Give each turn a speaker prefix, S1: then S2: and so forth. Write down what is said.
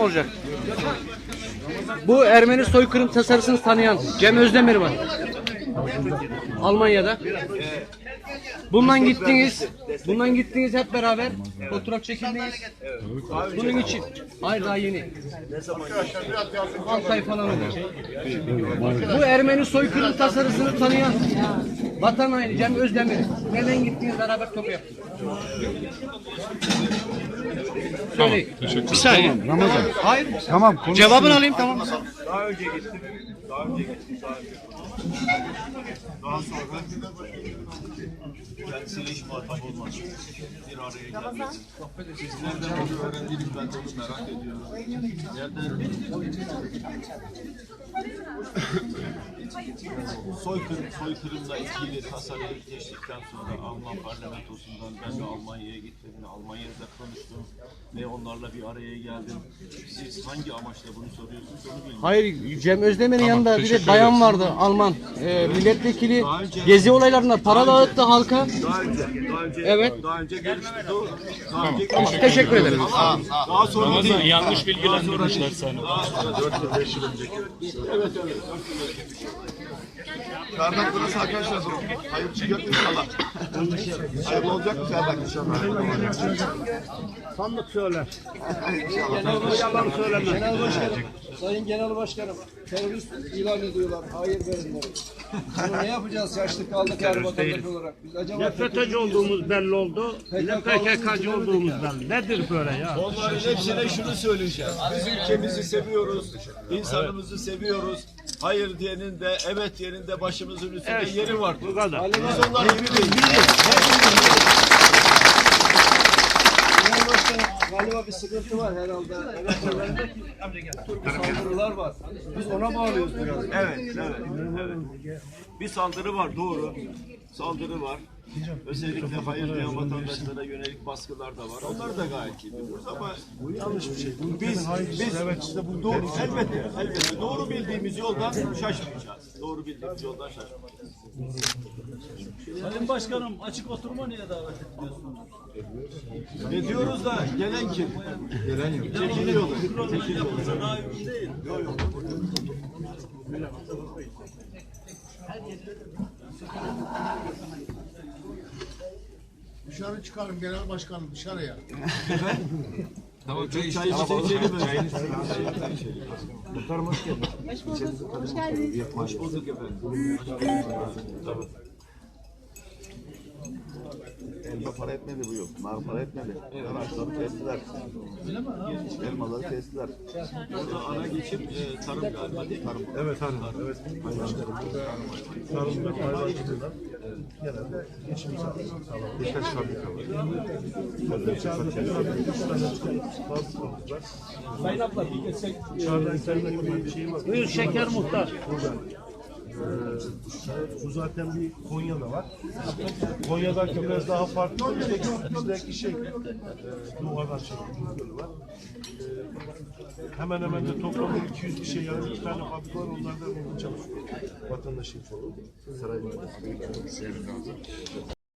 S1: olacak. Bu Ermeni soykırım tasarısını tanıyan Cem Özdemir var. Almanya'da. Bundan gittiniz hep beraber. Fotoğraf çekildiniz. Bunun için. Hayır, daha yeni. 6 ay falan oldu. Bu Ermeni soykırım tasarısını tanıyan vatan haini Cem Özdemir. Neden gittiniz beraber topu yaptınız? Söyleyin. Bir saniye.
S2: Ramazan.
S1: Hayır.
S2: Tamam.
S1: Cevabını alayım, tamam.
S3: Daha önce gittim. Daha sonra kendisiyle hiç muhatap olmadım. Bir araya geldik. Siz nereden bunu öğrendiniz, ben de onu merak ediyorum. Soykırımla ilgili tasarıyı geçtikten sonra Alman parlamentosundan ben de Almanya'ya gittim. Almanya'da konuştum ve onlarla bir araya geldim. Siz hangi amaçla bunu soruyorsunuz onu bilmiyorum.
S1: Hayır, Cem Özdemir'in yanında bir de bayan vardı, Alman. Milletvekili gezi olaylarında para dağıttı halka. Evet.
S3: Daha önce görüştük.
S1: Tamam, teşekkür ederim.
S3: Daha sonra değil.
S4: Yanlış bilgilendirmişler seni.
S3: 4-5 yıl önceki. Evet. Çardak burası arkadaşlar. Hayır çıkacak inşallah. Hayırlı olacak mı Çardak inşallah?
S2: Sandık söyler.
S1: Yalan söylemez.
S2: Genel Başkanım, Sayın Genel Başkanım, terörist ilan ediyorlar. Hayır verenleri. Bunu ne yapacağız? Yaşlı kaldık her vatandaş olarak. Biz acaba
S4: FETÖ'cü olduğumuz belli oldu. Ne PKK'cı olduğumuz belli. Nedir böyle ya?
S3: Onların hepsine şunu söyleyeceğiz. Biz ülkemizi seviyoruz. İnsanımızı seviyoruz. Hayır diyenin de evet diyenin de başımızın üstünde yeri var.
S4: Bu kadar.
S3: Biz onlar gibi değiliz.
S2: Genel Başkanım, galiba bir sıkıntı var herhalde. Türk saldırılar var. Biz ona bağlıyoruz biraz.
S3: Evet. Bir saldırı var, doğru. Saldırı var. Özellikle hayır diyen vatandaşlara yönelik baskılar da var. Onları da gayet iyi biliyoruz ama yanlış bir şey. Biz evet işte bu doğru. Elbette. Doğru bildiğimiz yoldan şaşmayacağız. Doğru bildiğimiz yoldan şaşmayacağız.
S5: Sayın Başkanım, açık oturma niye davet etmiyorsunuz?
S3: Ne diyoruz da gelen kim? Gelen yok. Çekiliyorlar.
S5: Daha uygun değil.
S3: Yok.
S6: Dışarı çıkarın genel başkanım dışarıya.
S3: Tamam, çay içelim.
S6: Muhtarım hoş geldin.
S7: Hoş geldiniz.
S3: Hoş bulduk efendim.
S8: Elma para etmedi bu yıl. Nar para etmedi. Ağaçları kestiler. Elmaları kestiler.
S3: Burada ana geçim tarım galiba değil mi?
S6: Evet tarım. Evet. Tarım ve hayvancılıkla genelde geçim sağlıyor. Birkaç fabrika var.
S5: Sayın abla bir geçsek.
S6: Çağrı'da internet bir şey var.
S4: Buyur şeker muhtar.
S6: Bu zaten bir Konya'da var. Konya'daki biraz daha farklı. Bizdeki duvardan çekilmiş gölü var. Hemen de toplamda 200 bir şey yani 2 tane fabrika var. Onlardan çalışıyor. Vatandaşın çoğu. Saray Mahallesi'nde.